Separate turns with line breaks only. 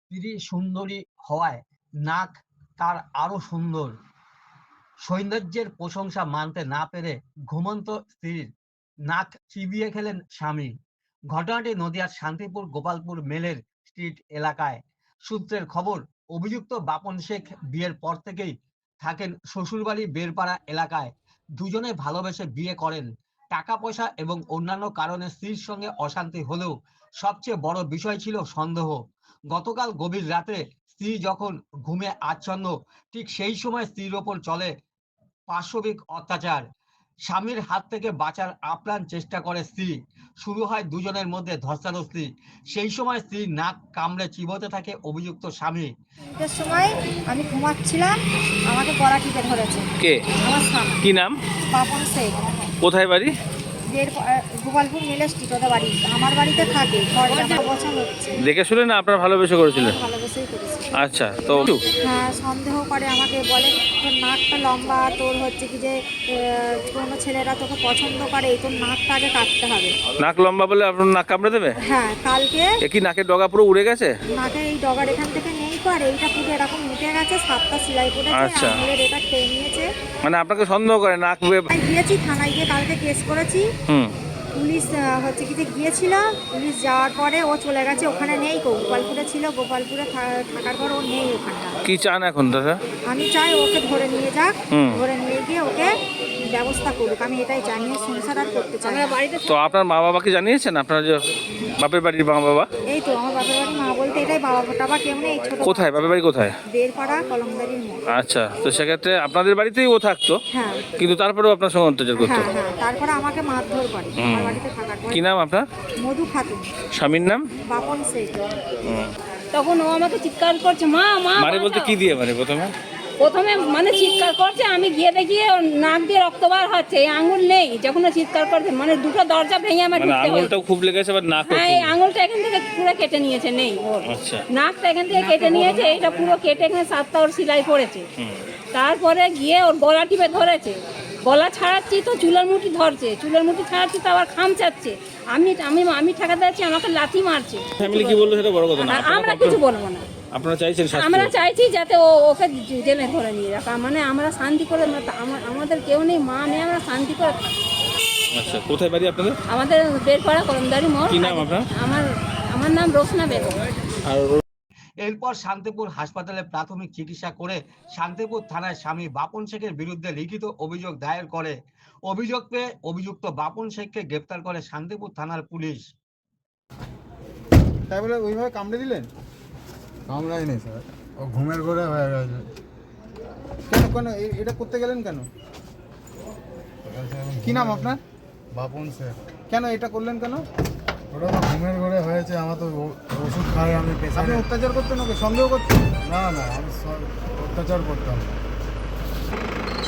স্ত্রী সুন্দরী হওয়ায় নাক তার আরো সুন্দর। সৌন্দর্যের প্রশংসা মানতে না পেরে ঘুমন্ত স্ত্রীর নাক চিবিয়ে খেলেন স্বামী। ঘটনাটি নদিয়ার শান্তিপুর গোপালপুর মেলের স্ট্রিট এলাকায়। সূত্রের খবর, অভিযুক্ত বাপন শেখ বিয়ের পর থেকেই থাকেন শ্বশুরবাড়ি বেরপাড়া এলাকায়। দুজনে ভালোবেসে বিয়ে করেন। টাকা পয়সা এবং অন্যান্য কারণে স্ত্রীর সঙ্গে অশান্তি হলেও সবচেয়ে বড় বিষয় ছিল সন্দেহ। গতকাল গভীর রাতে স্ত্রী যখন ঘুমে আচ্ছন্ন, ঠিক সেই সময় স্ত্রীর ওপর চলে পাশবিক অত্যাচার। স্বামীর হাত থেকে বাঁচার আপ্রাণ চেষ্টা করে স্ত্রী। শুরু হয় দুজনের মধ্যে ধস্তাধস্তি। সেই সময় স্ত্রীর নাক কামড়ে চিবোতে থাকে অভিযুক্ত স্বামী।
৩টের সময় আমি ঘুমাচ্ছিলাম, আমাকে গলা টিপে ধরেছে।
কে?
আমার স্বামী
কি নাম?
বাপন শেখ।
কোথায় বাড়ি?
গোপালপুর মিলে স্ট্রিট, ওদের বাড়ি। আমার বাড়িতে থাকে, ঘরটা বছর হচ্ছে।
দেখে শুনে না আপনার ভালোবেসে করেছিলেন?
ভালোবেসেই করেছি।
আচ্ছা, তো
হ্যাঁ, সন্দেহ করে আমাকে, বলে তোর নাকটা লম্বা, তোর হচ্ছে কি যে কোনো ছেলেরা তোকে পছন্দ করে, তোর নাকটা আগে কাটতে হবে।
নাক লম্বা বলে আপনার নাক কামড়ে দেবে?
হ্যাঁ, কালকে
এ কি নাকের ডগা পুরো উড়ে গেছে?
নাকে এই ডগার এখান থেকে নেই, আর এইটা পুরো এরকম উঠে গেছে, 7টা সেলাই পড়েছে,
আচ্ছা।
আঙুলের এটা খেয়ে নিয়েছে।
মানে আপনাকে সন্দেহ করে নাক
গিয়েছি থানায়, গিয়ে কালকে কেস করেছি। পুলিশ হচ্ছে কি যে গিয়েছিল, পুলিশ যাওয়ার পরে ও চলে গেছে, ওখানে নেই। গোপালপুরে ছিল, গোপালপুরে থাকার পর ও নেই ওখানটা।
কি চান এখন দাদা?
আমি চাই ওকে ধরে নিয়ে যাক, ধরে নিয়ে গিয়ে ওকে ব্যবস্থা করুক। আমি এটাই জানি, সংসার আর করতে চাই না।
তো আপনার মা বাবাকে জানিয়েছেন? আপনার যে বাপের বাড়ির মা বাবা?
এই তো আমার বাপের বাড়ি, মা বলতে এটাই, বাবা টাবা কেউ নেই। ছোট
কোথায় বাপের বাড়ি কোথায়?
বেরপাড়া কলমদারির মোড়।
আচ্ছা, তো সেক্ষেত্রে আপনাদের বাড়িতেই ও থাকতো?
হ্যাঁ
কিন্তু তারপরেও আপনার সঙ্গে অত্যাচার করতো?
হ্যাঁ হ্যাঁ, তারপরে আমাকে মারধর করে আমার বাড়িতে থাকার পর।
কি নাম আপনার?
মধু খাতুন।
স্বামীর নাম?
বাপন শেখ।
তখন ও আমাকে চিৎকার করছে, মা মা
মারে বলতে কি দিয়ে মারে প্রথমে?
প্রথমে মানে চিৎকার করছে, আমি গিয়ে দেখি ওর নাক দিয়ে রক্ত বার হচ্ছে, এই আঙুল নেই। যখন ও চিৎকার করছে, মানে দুটো দরজা ভেঙে আমার
মানে
ঢুকতে হয়েছে।
আঙুলটাও খুব লেগেছে আবার নাকও?
হ্যাঁ, এই আঙুলটা এখান থেকে পুরো কেটে নিয়েছে, নেই ওর।
আচ্ছা।
নাকটা এখান থেকে কেটে নিয়েছে, এটা পুরো কেটে এখানে 7টা ওর সেলাই পড়েছে। তারপরে গিয়ে ওর গলা টিপে ধরেছে। গলা ছাড়াচ্ছি তো চুলের মুঠি ধরছে, চুলের মুঠি ছাড়াচ্ছি তো আবার খামচাচ্ছে। আমি আমি আমি ঠেকাতে যাচ্ছি, আমাকে লাথি মারছে।
ফ্যামিলি কি বললো সেটা বড় কথা না।
আমরা কিছু বলবো না।
আপনারা চাইছেন শাস্তি?
আমরা চাইছি যাতে ওকে জেলে ধরে নিয়ে রাখা, মানে আমরা শান্তি করে, আমাদের কেউ নেই, মা নেই, আমরা শান্তি করে থাকি।
আচ্ছা, কোথায় বাড়ি আপনাদের?
আমাদের বেরপাড়া কলমদারি মোড়।
কি নাম আপনার?
আমার নাম রোশনা বেগম।
আর
এরপর শান্তিপুর হাসপাতালে প্রাথমিক চিকিৎসা করে শান্তিপুর থানায় স্বামী বাপন শেখের বিরুদ্ধে লিখিত অভিযোগ দায়ের করে। অভিযোগ পেয়ে অভিযুক্ত বাপন শেখকে গ্রেপ্তার করে শান্তিপুর থানার পুলিশ।
তাই বলে ওইভাবে কামড়ে দিলেন?
কামড়ায়নি স্যার, ও ঘুমের ঘরে হয়ে গেছে।
কেন কেন এটা করতে গেলেন কেন? কি নাম আপনার?
বাপন শেখ।
কেন এটা করলেন কেন?
ওটা তো ঘুমের ঘরে হয়েছে, আমার তো ওষুধ খাই আমি
আপনি
পেছনে।
অত্যাচার করতেন ওকে, সন্দেহ করতেন?
না না, আমি অত্যাচার করতাম না।